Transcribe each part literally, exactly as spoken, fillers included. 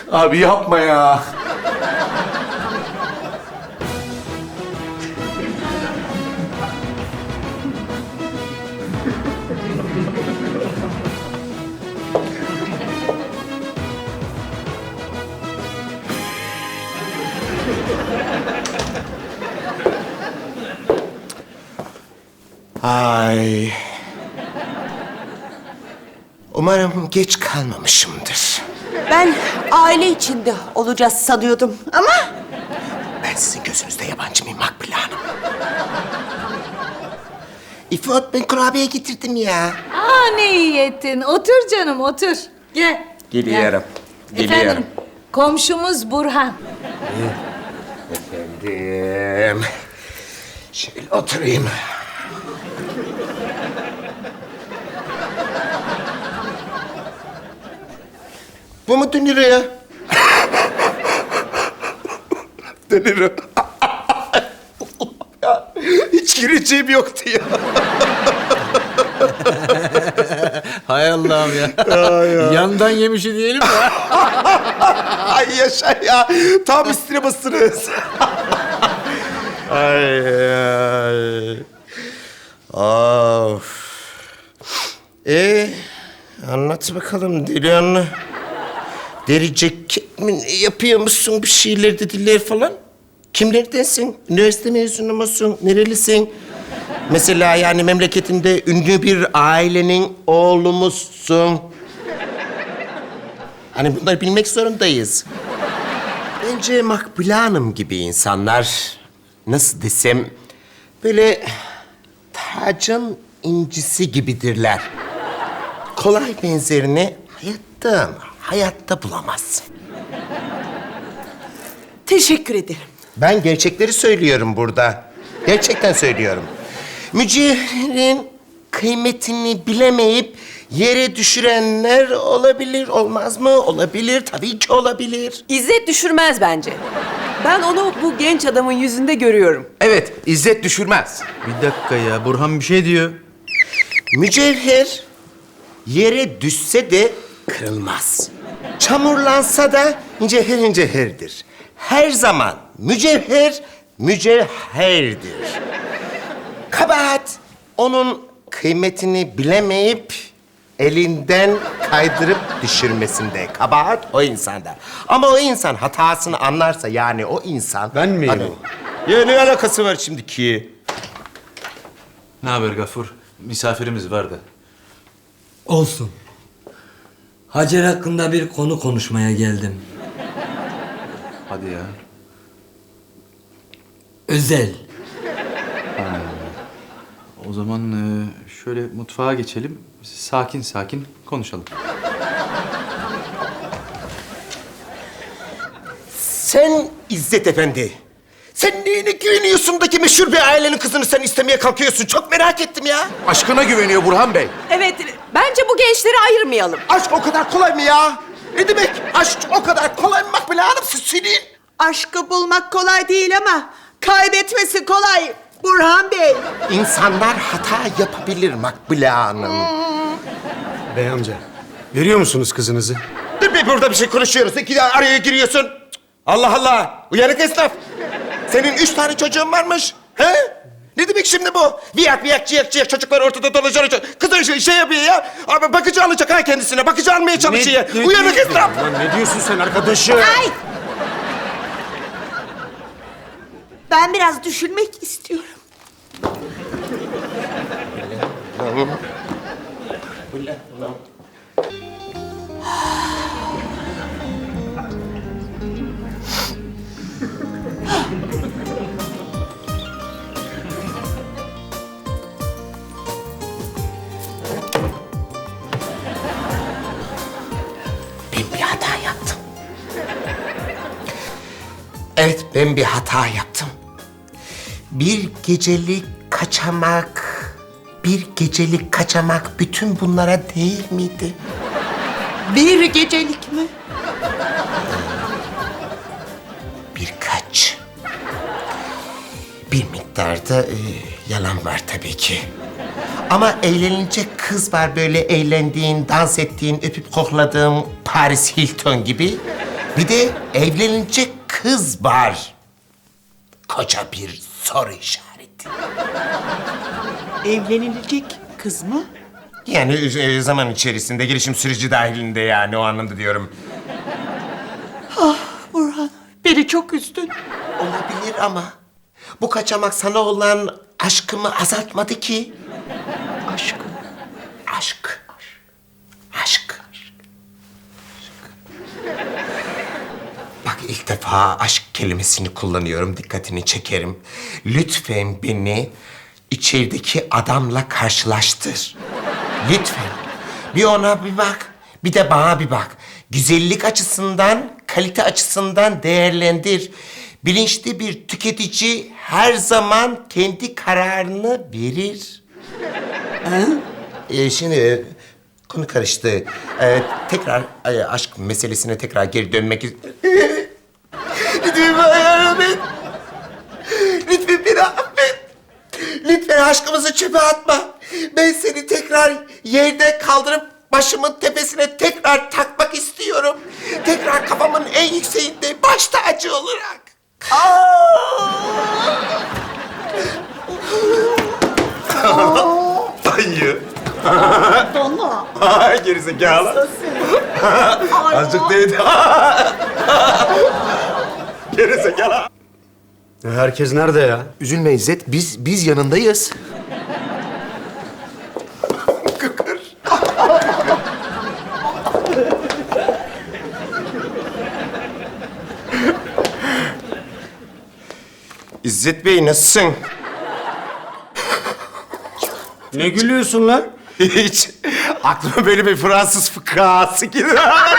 Abi yapma ya. Ay. Umarım geç kalmamışımdır. Ben aile içinde olacağız sanıyordum ama... Ben sizin gözünüzde yabancı mıyım Makbule Hanım? İfot, ben kurabiye getirdim ya. Aa ne iyi ettin. Otur canım otur. Gel. Geliyorum. Gel. Efendim komşumuz Burhan. Efendim. Şöyle oturayım. Bu mu dönür ya? Dönür. Ya, hiç gireceğim yoktu ya. Hay Allah'ım ya. Yandan yemişi diyelim mi? Ay yaşa ya. Tam üstüne basınız. ay ay. Of. Ee, anlat bakalım Delihanlı. Deri ceket mi yapıyor musun bir şeyler dediler falan? Kimlerdensin? Üniversite mezunu musun? Nerelisin? Mesela yani memleketinde ünlü bir ailenin oğlu musun? Hani bunları bilmek zorundayız. Bence Makbule Hanım gibi insanlar, nasıl desem, böyle tacın incisi gibidirler. Kolay benzerini hayatta ama hayatta bulamazsın. Teşekkür ederim. Ben gerçekleri söylüyorum burada. Gerçekten söylüyorum. Mücevherin kıymetini bilemeyip yere düşürenler olabilir, olmaz mı? Olabilir, tabii ki olabilir. İzzet düşürmez bence. Ben onu bu genç adamın yüzünde görüyorum. Evet, İzzet düşürmez. Bir dakika ya, Burhan bir şey diyor. Mücevher yere düşse de kırılmaz. Çamurlansa da mücevher mücevherdir. Her zaman mücevher mücevherdir. Kabahat onun kıymetini bilemeyip elinden kaydırıp düşürmesinde. Kabahat o insanda. Ama o insan hatasını anlarsa, yani o insan... Ben miyim Hani- Ya ne alakası var şimdiki? Ne haber Gafur? Misafirimiz vardı. Olsun. Hacer hakkında bir konu konuşmaya geldim. Hadi ya. Özel. O zaman e, şöyle mutfağa geçelim. Sakin sakin konuşalım. Sen İzzet Efendi, sen neyine güveniyorsun da ki meşhur bir ailenin kızını sen istemeye kalkıyorsun? Çok merak ettim ya. Aşkına güveniyor Burhan Bey. Evet, bence bu gençleri ayırmayalım. Aşk o kadar kolay mı ya? Ne demek? Aşk o kadar kolay mı Makbule Hanım? Siz söyleyin. Aşkı bulmak kolay değil ama kaybetmesi kolay Burhan Bey. İnsanlar hata yapabilir Makbule Hanım. Bey amca, veriyor musunuz kızınızı? Dur be, burada bir şey konuşuyoruz. İki de araya giriyorsun. Cık, Allah Allah. Uyanık esnaf. Senin üç tane çocuğun varmış. He? Ne demek şimdi bu? Viyak viyak ciyak ciyak çocuklar ortada dolaşıyor. Kızın şey, şey yapıyor ya. Abi bakıcı alacak ha kendisine. Bakıcı almaya çalışıyor. Ne- ne Uyanık diyorsun? esnaf. Lan ne diyorsun sen arkadaşım? Ay! Ben biraz düşünmek istiyorum. Ben bir hata yaptım. Evet, ben bir hata yaptım. Bir gecelik kaçamak, bir gecelik kaçamak bütün bunlara değil miydi? Bir gecelik mi? Birkaç. Bir miktarda e, yalan var tabii ki. Ama eğlenilecek kız var, böyle eğlendiğin, dans ettiğin, öpüp kokladığın Paris Hilton gibi. Bir de evlenilecek kız var. Koca bir soru işareti. Evlenilecek kız mı? Yani e, zaman içerisinde, gelişim süreci dahilinde yani o anlamda diyorum. Burhan, beni çok üzdün. Olabilir ama bu kaçamak sana olan aşkımı azaltmadı ki. Aşkım. Aşk. Aşk. Bak ilk defa aşk kelimesini kullanıyorum, dikkatini çekerim. Lütfen beni içerideki adamla karşılaştır. Lütfen. Bir ona bir bak, bir de bana bir bak. Güzellik açısından, kalite açısından değerlendir. Bilinçli bir tüketici her zaman kendi kararını verir. Ee, şimdi e, konu karıştı. Ee, tekrar e, aşk meselesine tekrar geri dönmek istiyorum. Lütfen beni affet. Lütfen beni affet. Lütfen aşkımızı çöpe atma. Ben seni tekrar yerde kaldırıp başımın tepesine tekrar takmak istiyorum. Tekrar kafamın en yükseğinde baş tacı olarak. Dayı. Dona. Gerizekalı. Azıcık değdi. Gerizekalı. Herkes nerede ya? Üzülme İzzet, biz biz yanındayız. İzzet Bey nasılsın? Ne gülüyorsun lan? Hiç. Aklıma böyle bir Fransız fıkrası geliyor.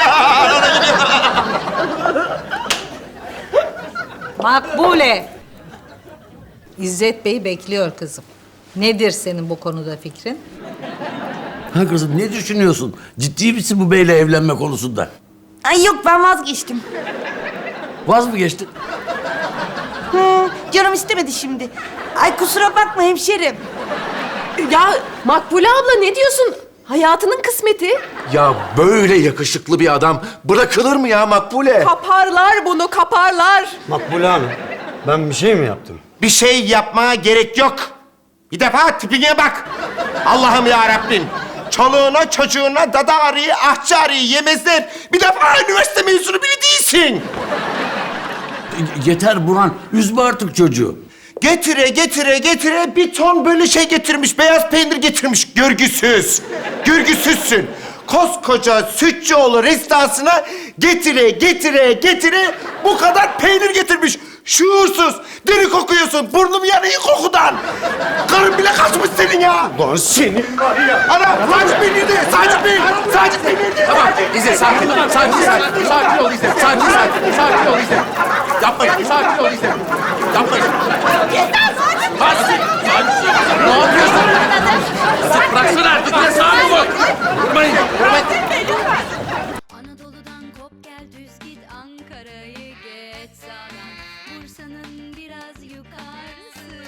Makbule. İzzet Bey bekliyor kızım. Nedir senin bu konuda fikrin? Ha kızım ne düşünüyorsun? Ciddi misin bu beyle evlenme konusunda? Ay yok ben vazgeçtim. Vaz mı geçtin? Hı, canım istemedi şimdi. Ay kusura bakma hemşerim. Ya Makbule abla ne diyorsun? Hayatının kısmeti. Ya böyle yakışıklı bir adam bırakılır mı ya Makbule? Kaparlar bunu, kaparlar. Makbule Hanım, ben bir şey mi yaptım? Bir şey yapmaya gerek yok. Bir defa tipine bak. Allah'ım ya Rabbim. Çoluğuna çocuğuna dada arıyı, ahçı arıyı yemezler. Bir defa üniversite mezunu bile değilsin. E, Yeter Burhan, üzme artık çocuğu. Getire getire getire bir ton böyle şey getirmiş. Beyaz peynir getirmiş. Görgüsüz. Görgüsüzsün. Koskoca Sütçüoğlu restoransına getire getire getire bu kadar peynir getirmiş. Şuursuz. Deri kokuyorsun. Burnum yanıyor kokudan. Karın bile kaçmış senin ya. Lan senin var ya. Ana sadece peynir de. Sadece peynir. Sadece peynir de. Tamam İzzet sakin ol. Sakin sakin. Sakin ol İzzet. Sakin sakin. Sakin ol İzzet. Yapmayın. Sakin ol İzzet. Yapmayın. Sakin. Ne yapıyorsun? İzzet bıraksana artık. Ya sakin ol. Vurmayın. Vurmayın. Anadolu'dan kop gel düz git Ankara'yı geç sağdan Bursa'nın biraz yukarısı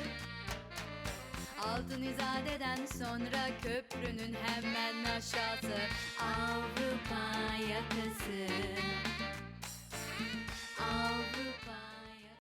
Altın İzade'den sonra köprünün hemen aşağısı Avrupa yakası